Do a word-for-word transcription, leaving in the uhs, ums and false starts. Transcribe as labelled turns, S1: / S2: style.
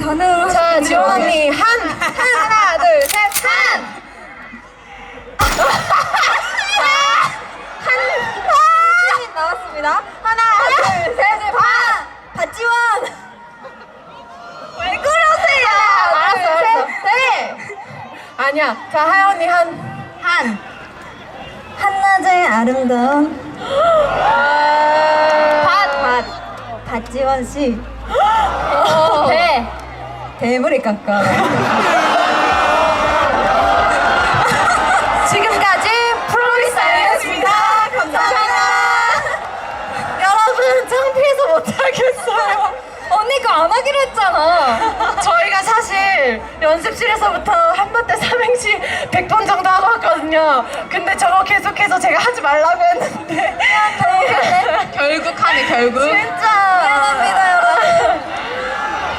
S1: 가능.
S2: 자, 지원 언니 한, 한 하나 둘 셋 한. 한 나왔습니다. 하나 둘 셋 반. 박지원. 왜 그러세요? 알았어 알았어. 네. 아니야. 자, 하연 언니 한. 한.
S1: 한낮의 아름다운
S2: 밭. 밭.
S1: 박지원 씨.
S2: 대.
S1: 대머리 깎아.
S2: 지금까지 프로미스였습니다. 감사합니다. 여러분, 창피해서 못하겠어요.
S1: 언니가 안 하기로 했잖아.
S2: 저희가 사실 연습실에서부터 한마때 삼행시 백 번 정도 하고 왔거든요. 근데 저거 계속해서 제가 하지 말라고 했는데
S1: 결국 하네 결국.
S2: 진짜
S1: 미안합니다 여러분.